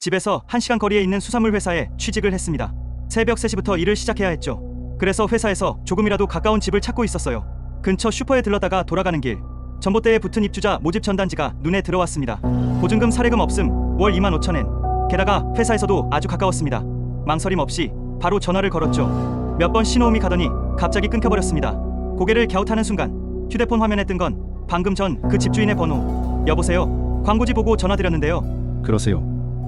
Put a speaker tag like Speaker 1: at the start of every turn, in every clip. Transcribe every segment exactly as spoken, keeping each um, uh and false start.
Speaker 1: 집에서 한 시간 거리에 있는 수산물 회사에 취직을 했습니다. 새벽 세 시부터 일을 시작해야 했죠. 그래서 회사에서 조금이라도 가까운 집을 찾고 있었어요. 근처 슈퍼에 들렀다가 돌아가는 길, 전봇대에 붙은 입주자 모집 전단지가 눈에 들어왔습니다. 보증금 사례금 없음, 월 이만 오천 엔. 게다가 회사에서도 아주 가까웠습니다. 망설임 없이 바로 전화를 걸었죠. 몇 번 신호음이 가더니 갑자기 끊겨버렸습니다. 고개를 갸웃하는 순간 휴대폰 화면에 뜬 건 방금 전 그 집주인의 번호. 여보세요? 광고지 보고 전화드렸는데요.
Speaker 2: 그러세요.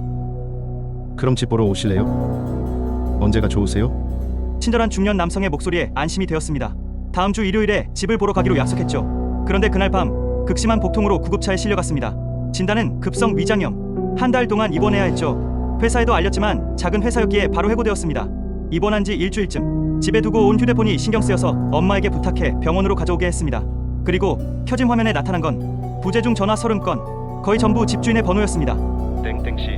Speaker 2: 그럼 집 보러 오실래요? 언제가 좋으세요?
Speaker 1: 친절한 중년 남성의 목소리에 안심이 되었습니다. 다음 주 일요일에 집을 보러 가기로 약속했죠. 그런데 그날 밤 극심한 복통으로 구급차에 실려갔습니다. 진단은 급성 위장염. 한 달 동안 입원해야 했죠. 회사에도 알렸지만 작은 회사였기에 바로 해고되었습니다. 입원한 지 일주일쯤 집에 두고 온 휴대폰이 신경 쓰여서 엄마에게 부탁해 병원으로 가져오게 했습니다. 그리고 켜진 화면에 나타난 건 부재중 전화 서른 건, 거의 전부 집주인의 번호였습니다.
Speaker 3: 땡땡씨,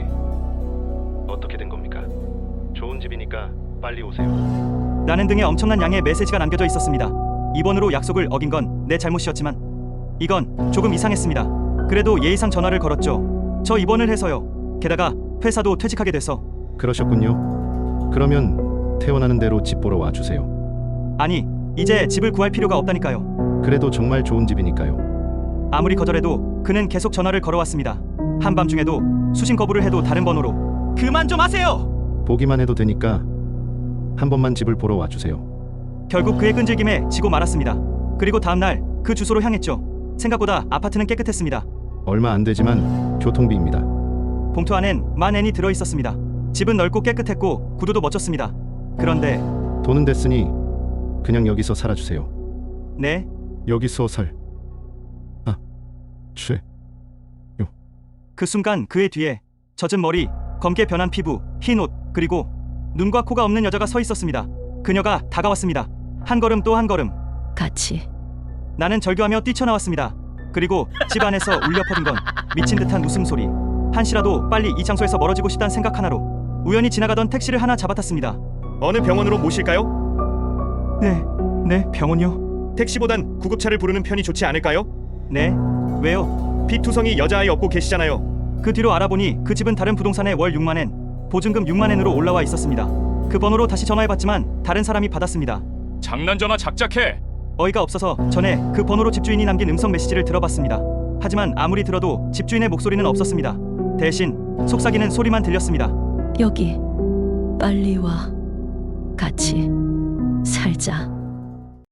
Speaker 3: 어떻게 된 겁니까? 좋은 집이니까 빨리 오세요.
Speaker 1: 라는 등의 엄청난 양의 메시지가 남겨져 있었습니다. 입원으로 약속을 어긴 건 내 잘못이었지만 이건 조금 이상했습니다. 그래도 예의상 전화를 걸었죠. 저 입원을 해서요. 게다가 회사도 퇴직하게 돼서.
Speaker 2: 그러셨군요. 그러면 태어나는 대로 집 보러 와주세요.
Speaker 1: 아니, 이제 집을 구할 필요가 없다니까요.
Speaker 2: 그래도 정말 좋은 집이니까요.
Speaker 1: 아무리 거절해도 그는 계속 전화를 걸어왔습니다. 한밤중에도 수신 거부를 해도 다른 번호로. 그만 좀 하세요!
Speaker 2: 보기만 해도 되니까 한 번만 집을 보러 와주세요.
Speaker 1: 결국 그의 끈질김에 지고 말았습니다. 그리고 다음날 그 주소로 향했죠. 생각보다 아파트는 깨끗했습니다.
Speaker 2: 얼마 안 되지만 교통비입니다.
Speaker 1: 봉투 안엔 만 엔이 들어있었습니다. 집은 넓고 깨끗했고 구두도 멋졌습니다. 그런데
Speaker 2: 돈은 됐으니 그냥 여기서 살아주세요.
Speaker 1: 네?
Speaker 2: 여기서 살. 아, 죄.
Speaker 1: 그 순간 그의 뒤에 젖은 머리, 검게 변한 피부, 흰 옷, 그리고 눈과 코가 없는 여자가 서 있었습니다. 그녀가 다가왔습니다. 한 걸음 또 한 걸음.
Speaker 4: 같이.
Speaker 1: 나는 절규하며 뛰쳐나왔습니다. 그리고 집 안에서 울려 퍼진 건 미친 듯한 웃음소리. 한시라도 빨리 이 장소에서 멀어지고 싶다는 생각 하나로 우연히 지나가던 택시를 하나 잡아탔습니다.
Speaker 5: 어느 병원으로 모실까요?
Speaker 1: 네, 네, 병원요?
Speaker 5: 택시보단 구급차를 부르는 편이 좋지 않을까요?
Speaker 1: 네, 왜요?
Speaker 5: 피투성이 여자아이 업고 계시잖아요.
Speaker 1: 그 뒤로 알아보니 그 집은 다른 부동산에 월 육만 엔, 보증금 육만 엔으로 올라와 있었습니다. 그 번호로 다시 전화해봤지만 다른 사람이 받았습니다.
Speaker 6: 장난 전화 작작해.
Speaker 1: 어이가 없어서 전에 그 번호로 집주인이 남긴 음성 메시지를 들어봤습니다. 하지만 아무리 들어도 집주인의 목소리는 없었습니다. 대신 속삭이는 소리만 들렸습니다.
Speaker 4: 여기 빨리 와. 같이 살자.